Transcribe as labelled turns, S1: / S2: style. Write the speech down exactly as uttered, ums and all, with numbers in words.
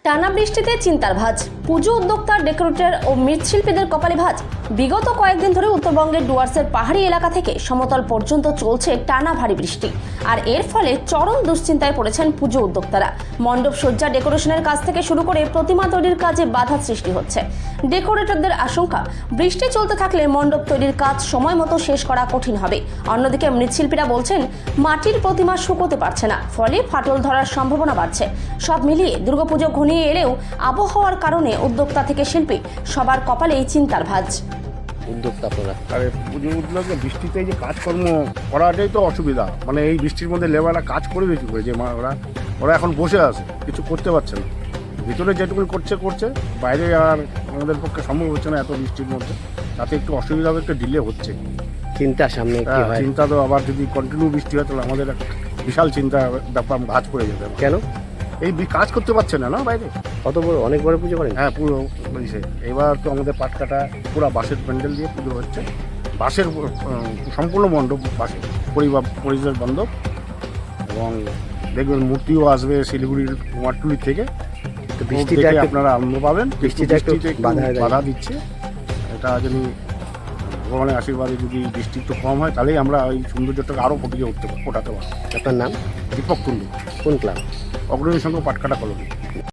S1: টানা বৃষ্টিতে চিন্তার ভাঁজ, পুজো উদ্যোক্তা, ডেকোরেটর ও মৃৎশিল্পীদের কপালে ভাঁজ। বিগত কয়েকদিন ধরে উত্তরবঙ্গের ডুয়ার্সের পাহাড়ি এলাকা থেকে সমতল পর্যন্ত চলছে টানা ভারী বৃষ্টি, আর এর ফলে চরম দুশ্চিন্তায় পড়েছেন পুজো উদ্যোক্তারা। মণ্ডপ সজ্জা, ডেকোরেশনের কাজ থেকে শুরু করে প্রতিমা তৈরির কাজে বাধা সৃষ্টি হচ্ছে। ডেকোরেটরদের আশঙ্কা, বৃষ্টি চলতে থাকলে মণ্ডপ তৈরির কাজ সময় মতো শেষ করা কঠিন হবে। অন্যদিকে মৃৎশিল্পীরা বলছেন, মাটির প্রতিমা শুকোতে পারছে না, ফলে ফাটল ধরার সম্ভাবনা বাড়ছে। সব মিলিয়ে দুর্গাপুজো ঘনিয়ে এলেও আবহাওয়ার কারণে উদ্যোক্তা থেকে শিল্পী সবার কপালেই চিন্তার ভাঁজ।
S2: উদ্যোক্তা আপনারা
S3: আরে পুজো উদ্যোগে বৃষ্টিতে এই যে কাজকর্ম করাটাই তো অসুবিধা। মানে এই বৃষ্টির মধ্যে লেবাররা কাজ করবে কী করে? যে মা- ওরা ওরা এখন বসে আছে, কিছু করতে পারছে না। ভিতরে যেটুকু করছে করছে বাইরে আর আমাদের পক্ষে সম্ভব হচ্ছে না এত বৃষ্টির মধ্যে। তাতে একটু অসুবিধা হবে, একটু ডিলে হচ্ছে।
S2: চিন্তা সামনে কি
S3: হ্যাঁ,
S2: হয়?
S3: চিন্তা তো আবার যদি কন্টিনিউ বৃষ্টি হয় তাহলে আমাদের একটা বিশাল চিন্তা ব্যাপার ভাঁজ পড়ে যাবে।
S2: কেন?
S3: এই বি- কাজ করতে পারছে না না বাইরে।
S2: কত বড়, অনেক বড় পুজো করেন?
S3: হ্যাঁ, পুরো ইসে। এবার তো আমাদের পাটকাটা পুরো বাঁশের প্যান্ডেল দিয়ে পুজো হচ্ছে। বাঁশের উম, সম্পূর্ণ মণ্ডপ বাঁশের পরিবার পরিচয় মণ্ডপ, এবং দেখবেন মূর্তিও আসবে শিলিগুড়ির কুমারটুলি থেকে।
S2: তো বৃষ্টিটা
S3: দেখে
S2: একটু-
S3: আপনারা আনন্দ পাবেন।
S2: বৃষ্টিটা একটু
S3: বৃষ্টিতে একটু
S2: বাধা দেয়।
S3: বাধা দিচ্ছে। এটা যদি ভগবানের আশীর্বাদে যদি বৃষ্টি একটু কম হয় তাহলেই আমরা ওই সৌন্দর্যটাকে আরও ফুটিয়ে উঠতে পারবো, ফোটাতে পারবো।
S2: আপনার নাম?
S3: দীপক কুণ্ডু,
S2: কোন ক্লাব?
S3: অগ্রণী সংঘ পাটকাটা কলোনি।